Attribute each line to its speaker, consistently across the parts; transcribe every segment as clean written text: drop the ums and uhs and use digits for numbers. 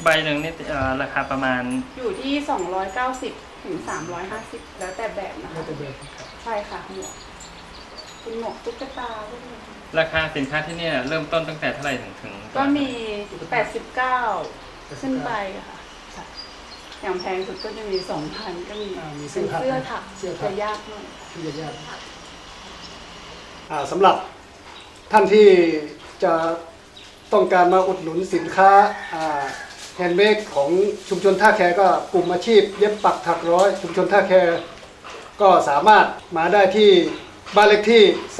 Speaker 1: ใบหนึ่งนี่ราคาประมาณ
Speaker 2: อยู่ที่290ถึง350แล้วแต่แบบนะคะใช่ค่ะหมวกเป็นหมวกตุ๊กตาพวกนี้
Speaker 1: ราคาสินค้าที่นี่เริ่มต้นตั้งแต่เท่าไหร่ถึง
Speaker 2: ก็มี89ขึ้นไปค่ะอย่างแพงสุดก็จะมี 2,000 ก็มีเป็นเสื้อถักจะยากหน่อย
Speaker 3: สำหรับท่านที่จะต้องการมาอุดหนุนสินค้าแฮนด์เมดของชุมชนท่าแคก็กลุ่มอาชีพเย็บปักถักร้อยชุมชนท่าแคก็สามารถมาได้ที่บ้านเลขที่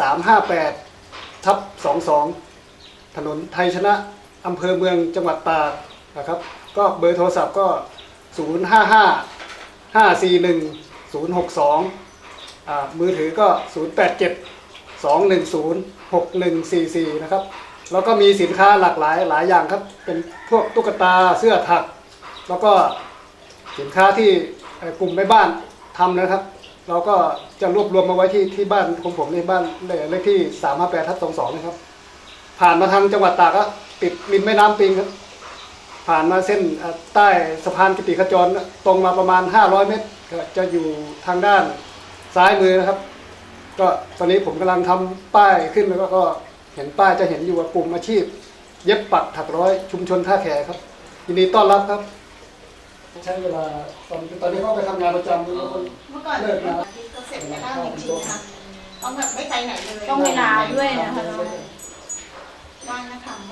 Speaker 3: 358/22ถนนไทยชนะอำเภอเมืองจังหวัดตากนะครับก็เบอร์โทรศัพท์ก็055-541-062มือถือก็087-210-6144นะครับแล้วก็มีสินค้าหลากหลายอย่างครับเป็นพวกตุ๊กตาเสื้อถักแล้วก็สินค้าที่กลุ่มแม่บ้านทำนะครับเราก็จะรวบรวมมาไว้ที่บ้านของผมในบ้านเลขที่358/22นะครับผ่านมาทางจังหวัดตากก็ติดริมแม่น้ำปิงครับผ่านมาเส้นใต้สะพานกิติขจรตรงมาประมาณ500 เมตรก็จะอยู่ทางด้านซ้ายมือนะครับก็ตอนนี้ผมกำลังทำป้ายขึ้นแล้วก็เห็นป้ายจะเห็นอยู่ว่ากลุ่มอาชีพเย็บปักถักร้อยชุมชนท่าแขครับยินดีต้อนรับครับใช้เวลาตอนนี้ก็ไปทำงานประจำเมื่อก่อนเลิกงาน
Speaker 4: ก็เสร็จไม่ได้จริงๆนะต้องแบบไม่ไปไหนเลย
Speaker 2: ต้องเวลาด้วยนะคะ
Speaker 4: ว่างนะทำ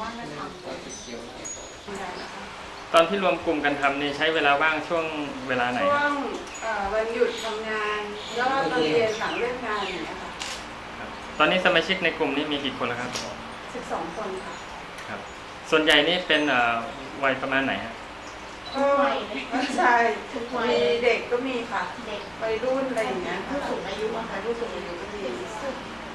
Speaker 1: ตอนที่รวมกลุ่มกันทำนี่ใช้เวลาว่างช่วงเวลาไหน
Speaker 2: ช่วงวันหยุดทำงานแล้วก็ตอนเรียนหลังเลิกงานอย่างเงี้ยค่ะ
Speaker 1: ตอนนี้สมาชิกในกลุ่มนี้มีกี่คนแล้วครับ
Speaker 2: 12 คนค่ะ
Speaker 1: ครับส่วนใหญ่นี่เป็นวัยประมาณไหนฮะ
Speaker 2: ก็ใช่มีเด็กก็มีค่ะเด็กวัยรุ่นอะไรอย่างเงี้ย
Speaker 4: ผู้สูงอายุค่ะผู้สูงอายุ